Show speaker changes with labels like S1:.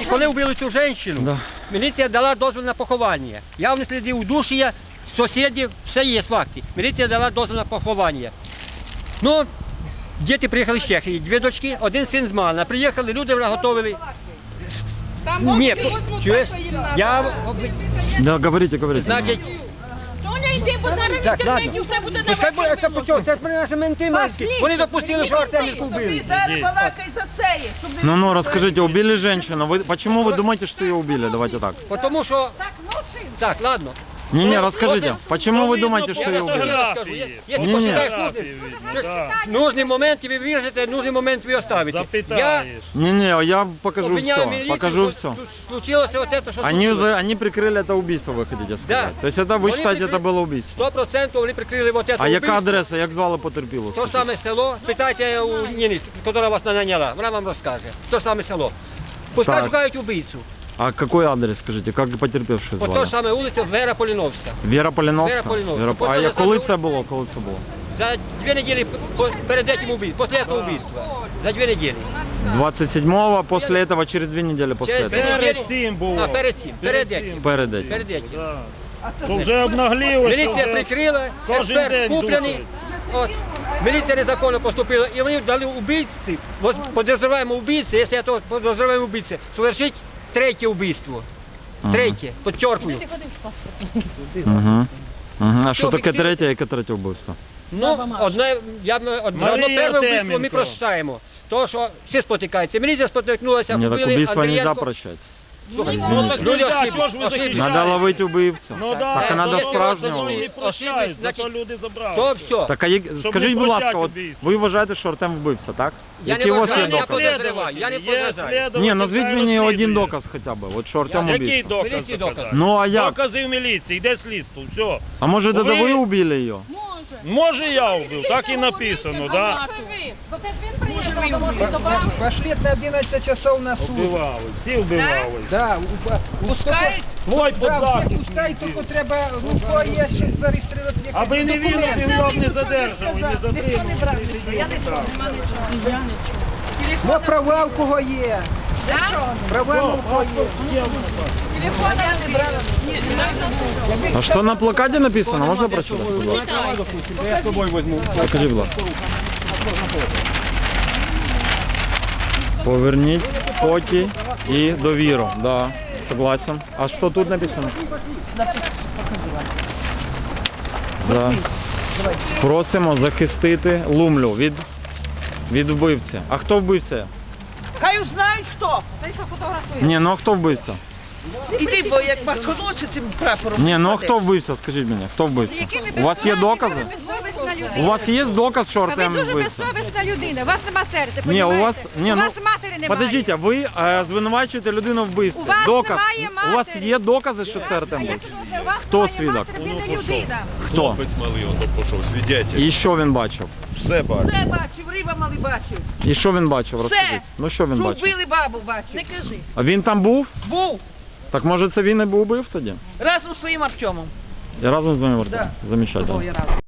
S1: коли вбили цю жінку, міліція дала дозвіл на поховання. Явні сліди удушення, сусідів, все є факти. Міліція дала дозвіл на поховання. Ну, діти приїхали з Чехії, 2 дочки, 1 син з Малина. Приїхали, люди вже готовили. Ні, чуєш?
S2: Да, говорите.
S1: Значить,
S3: Соня, йди, бо зараз в інтернеті все буде на
S1: пускай буде, це почув, це ж при наші менти мальські. Вони допустили, що Артемівку вбили.
S2: Ну, расскажите, убили женщину. Почему вы думаете, что ее убили? Давайте так.
S1: Потому що... Так, ладно.
S2: Не, расскажите, почему вы думаете, что ее убили?
S1: Если посчитаешь нужный момент, тебе выжите, нужный момент вы оставите.
S2: Не, я покажу
S1: обвиняю
S2: все.
S1: милицию,
S2: Покажу
S1: что
S2: все.
S1: случилось вот это, что случилось.
S2: Они прикрыли это убийство, вы хотите сказать?
S1: Да.
S2: То есть это вы считаете, это было убийство?
S1: 100% вони прикрили вот это
S2: А яка
S1: убийство.
S2: адреса, як звали потерпілу?
S1: То саме село, спитайте у Ніни, яка вас наняла, вона вам розкаже. То саме село. Пускай
S2: Так.
S1: шукають убийцу.
S2: А какой адрес, скажите, как потерпевший
S1: По то
S2: звали?
S1: ж саме вулиця Вера Поліновська.
S2: Віра Поліновська?
S1: Вера Поліновська.
S2: А
S1: Потім
S2: коли
S1: саме-
S2: це було?
S1: За 2 недели перед этим убийством, после этого убийства. За 2 недели.
S2: 27-го, после этого, через 2 недели после
S1: Через
S2: этого?
S1: 2 недели.
S4: Перед цим було.
S1: А, перед цим. Перед этим.
S2: Перед этим.
S1: Перед этим.
S4: То вже обнаглілося.
S1: Міліція прикрила,
S4: кожен
S1: експерт
S4: день
S1: куплений.
S4: душить.
S1: От. Міліція незаконно поступила, і вони дали убийці, подозреваємо убийці, якщо то подозреваємо убийці, совершить 3-е убийство. 3-е, підчеркую.
S2: А що таке третє, яке третє вбивство?
S1: Ну, одне перше убийство ми
S4: Артеменко.
S1: прощаємо. То, що всі спотикаються. Міліція спотикнулася,
S2: Ні, так
S1: вбили
S2: убийство нельзя
S1: Андрієнко.
S2: прощать.
S1: Слухай,
S4: Ну так
S1: люди
S4: нельзя,
S1: ошиблись,
S4: чого ж ви
S1: ошиблись.
S4: захищаєте?
S2: Надо ловити убивцю.
S4: Ну
S1: Так,
S4: да,
S2: а надо
S4: якщо
S2: справжнього.
S4: вони не прощають,
S1: Значить,
S4: зато люди забрали.
S1: То все.
S2: Так,
S4: Щоб
S2: скажіть,
S4: не
S2: будь ласка,
S4: прощати
S2: от
S4: убивство.
S2: ви вважаєте, що Артем вбивця, так?
S1: Я
S2: Які
S1: не
S2: у вас
S1: вважаю,
S2: є
S1: я
S2: докази?
S1: подозреваю, я не подозреваю.
S2: Ні, назвіть мені один доказ хоча б, от що Артем
S4: Який
S2: убивця.
S4: доказ
S1: Міліції
S4: доказати?
S1: доказ.
S2: Ну, а як?
S4: Докази в міліції, йде слідство, все.
S2: А може,
S4: Ви-
S2: ви убили її?
S4: Може я вбив, так і написано, да?
S3: Бо це ж він приїхав, тому що добавив.
S5: Пошли на 11 часов на суд.
S4: Вбивали, всі вбивали.
S5: Да, пускай,
S4: Твой
S5: да, все
S4: подзахисний
S5: пускай,
S4: вбив.
S5: тільки треба, ну, хто є, щоб зареєструвати якісь
S4: Аби не він,
S5: документи.
S4: він його б не задержав, і не затримав.
S5: Ну, права в кого є. Права в кого є.
S3: Телефон я не брала.
S2: А що на плакаті написано? Можна прочитати? Будь ласка?
S1: Я з собою візьму.
S2: Покажи, будь ласка. Поверніть спокій і довіру. Да, согласен. А що тут написано? Да. Просимо захистити Лумлю від вбивці. А хто вбивця?
S6: Хай узнають хто.
S2: Ні, ну а хто вбивця?
S6: Іди, бо як пасконуться цим прапором.
S2: Ні, ну а хто вбивця, скажіть мені, хто вбивця? У вас є докази? У вас є доказ, що
S7: Ви
S2: Артем
S7: дуже
S2: вбивця?
S7: безсовісна людина, у вас нема серця,
S2: Ні, у вас,
S7: понімаєте? У вас матері немає.
S2: подождіть, ви звинувачуєте людину в вбивстві.
S7: У вас
S2: Доказ.
S7: немає матері.
S2: У вас є докази, що це Артем
S7: А як
S2: вбивця?
S7: це у вас
S2: Хто
S7: немає
S2: свідок?
S7: матері, ви не людина.
S2: Хто?
S8: Хлопець малий, он пішов, свідетель.
S2: І що він бачив?
S8: Все бачить.
S6: Все бачив, риба малий бачив.
S2: І що він бачив?
S6: Все.
S2: Розкажіть. Ну що він
S6: Що
S2: бачив?
S6: вбили бабу бачив.
S3: Не кажи.
S2: А він там був?
S6: Був
S2: Так може це він і був убив тоді?
S6: разом з своїм Артемом.
S2: Я разом з вами
S6: Да.
S2: Замечательно.
S6: Був я разом.